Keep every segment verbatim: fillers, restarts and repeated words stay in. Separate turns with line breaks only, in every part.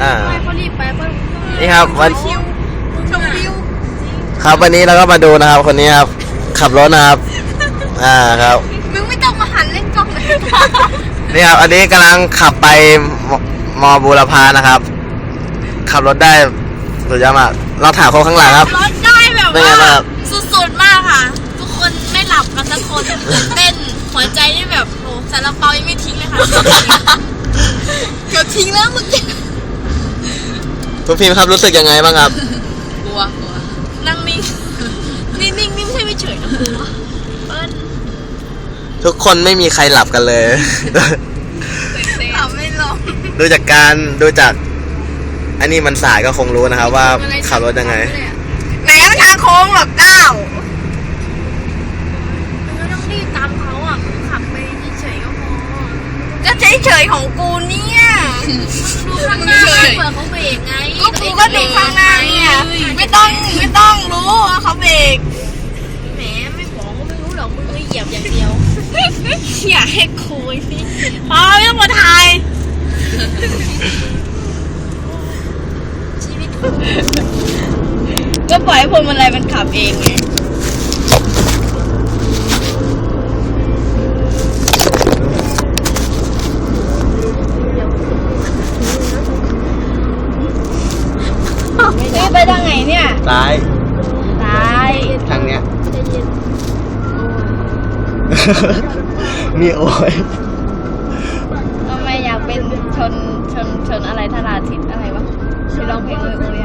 อ่า
ไม่เขารีบไปเขา
นี่ครับวัน
ชิวชมวิว
ครับวันนี้เราก็มาดูนะครับคนนี้ครับขับรถนะครับอ่าครับ
มึงไม่ต้องมาหันเล่นกล้องเลย
นี่ครับอันนี้กำลังขับไปมมอบูรพานะครับ ขับรถได้สุดยอดมากเราถามคนข้างหลังครับ
รถได้แบบ
เป็นไง
ว่า
บ้างครับ
สุดๆมากค่ะ ทุกคนไม่หลับกันสักคนตื่นเต้นหัวใจนี่แบบโอ้สารเปายังไม่ทิ้งเลยค่ะเกือบทิ้งแล้วเมื่อกี้
คุณพิมพ์ครับรู้สึกยังไงบ้างครับ
กลัวกลัวนั่งนิ่งนิ่งนิ่งนิ่งไม่ใช่ไม่เฉยนะกลัวเปิ้ล
ทุกคนไม่มีใครหลับกันเลย
เอาไม่ลง
ดูจากการดูจากอันนี้มันสายก็คงรู้นะครับ ว่าขับรถยังไง
ไหนก็ทางโค้งหรอกก้าวไม่ต้องรีบตามเขาอ่ะขับไปเฉยๆก็พอก็เฉยๆของกูเนี่ยดูข้างหน้าเผื่อเขาเบรกไงก็กูก็ดูข้างหน้าเนี่ยไม่ต้องไม่ต้องรู้ว่าเขาเบรกแหมไม่บอกก็ไม่รู้หรอกมึงเหยียบอย่างเดียวอยากให้คุยสิพอไม่ต้องมาถ่ายชีวิตก็ปล่อยให้พวงมาลัยมันขับเองไงไปทางไหนเนี่ย
ซ้าย
ซ้าย
ทางเนี้ย นี่โอ้ย
ทำไมอยากเป็นชนชนชนอะไรธราทิตอะไรวะที่ร้องเพลงเลยโอ้ย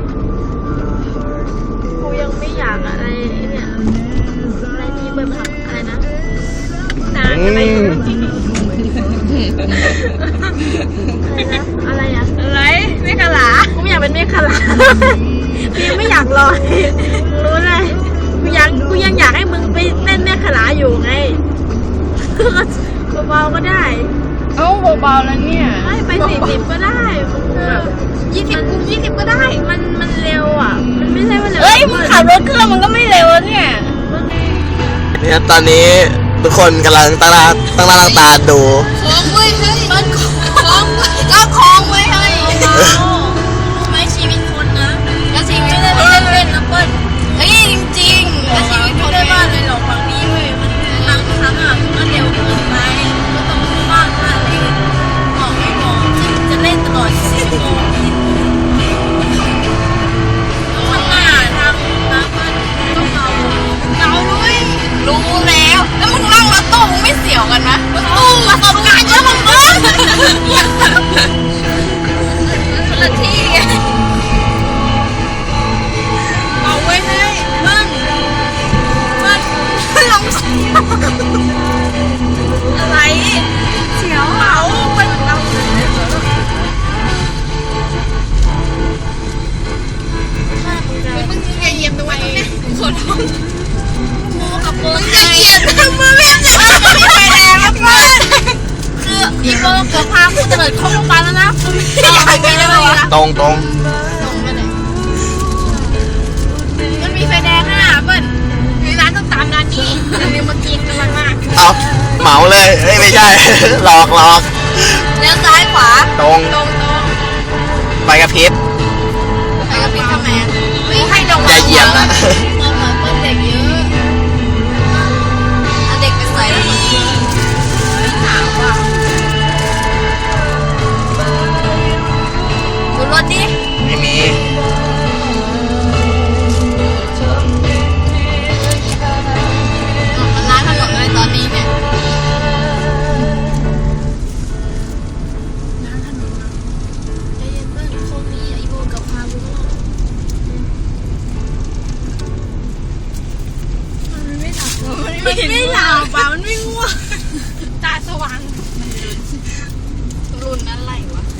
กูยังไม่อยากอะไรเนี่ยอะไรนี่เบอร์พับอะไรนะนานอะไรอะไรอะอะไรเมฆขลากูไม่อยากเป็นเมฆขลาพี่ไม่อยากลอยรู้เลยกูยังกูยังอยากให้มึงไปเล่นเมฆขลาอยู่ไงเบาๆก็ได้เอ้าเบาๆแล้วเนี่ยไม่ไปสี่สิบก็ได้แบบยี่สิบกูยี่สิบก็ได้มันมันเร็วอ่ะมันไม่ใช่ว่าเร็วเฮ้ยมึงขับรถเครื่องมันก็ไม่เร็วเนี่ย
นี่ครับตอนนี้ทุกคนกำลังตั้งตาตั้งหน้าตั้งตาดู
คล้องเว้ยเฮ้ยมันคล้องเว้ยก็คล้องเว้ยเฮ้ยไม่ชีวิตคนนะก็ชีวิตไม่ได้เล่นๆนะเปิ้ลเฮ้ยจริงๆก็ชีวิตคนไม่ได้ว่าเลยหรอกฝั่งนี้เว้ยมันบางครั้งอ่ะมันเร็วเกินไปก็ต้องว่างว่าอะไรบอกไม่บอกที่จะเล่นตลอดสิบโมงข้างหน้าทางนะเปิ้ลต้องเมาเมาด้วยรู้แล้วแล้วมึงนั่งรถตู้มึงไม่เสียวกันไหมรถตู้ประสบการณ์เยอะมากคนละที่ไงเอาไว้ให้มันมันลองอะไรเสียวเอามันเรามึงจะเหยียบตรงไหนขอโทษกูกับมึงจะเหยียบทำไมไม่จะไม่ไปแดงแล้วเพื่อนคืออีโก้เกือบพากูจะเดินเข้าโรงพยาบาลแล้วนะกูไม่อยากไปได้ไหมวะ
ตรงตรง
ตรงไปไหนมันมีไฟแดงอ่ะเปิ้ลมีร้านต้องตามร้านนี้เดี๋ยวมากินกันมาก
เอาเหมาเลยเอ้ยไม่ใช่ หลอกหลอก
เลี้ยวซ้ายขวา
ตรง
ตรงตรง
ไปกับพริบ
ไปกับพี่ทำไมวิ่งให้ลง
อย่าเหยียบนะ
เอาหน่อยเปิ้ลเด็กเยอะเอาเด็กไปใส่แล้วมันไม่ถามว่ะดูรถดิ
ไม่มี
มันล้างถนนอะไรตอนนี้เนี่ยล้างถนนนะใจเย็นเพื่อนโชคดีไอ้โบกับพาบุญรอดมันไม่หลับมันไม่หลับอ่ะมันไม่ง่วงตาสว่างรุ่นอะไรวะ